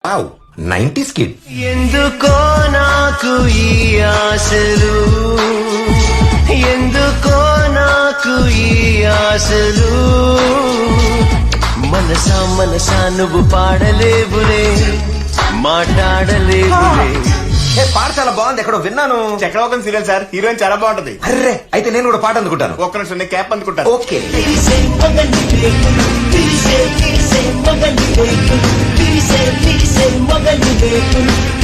ఆవ్ 90s kid. ఎందుకో నాకు ఈ ఆశలు, ఎందుకో నాకు ఈ ఆశలు, మనసా మనసా నువ్వు పాడలేవులే, మాట్లాడలేవులే. పాట చాలా బాగుంది, ఎక్కడో విన్నాను. చక్రవర్తి సీరియల్ సార్, హీరోయిన్ చాలా బాగుంటది. అర్రే అయితే నేను కూడా పాట అందుకుంటాను. ఒక్క నిమిషం క్యాప్ అందుకుంటాను. ఓకే. తీసే మగని వేకులు, తీసే మగని వేకులు, తీసే మగని వేకులు,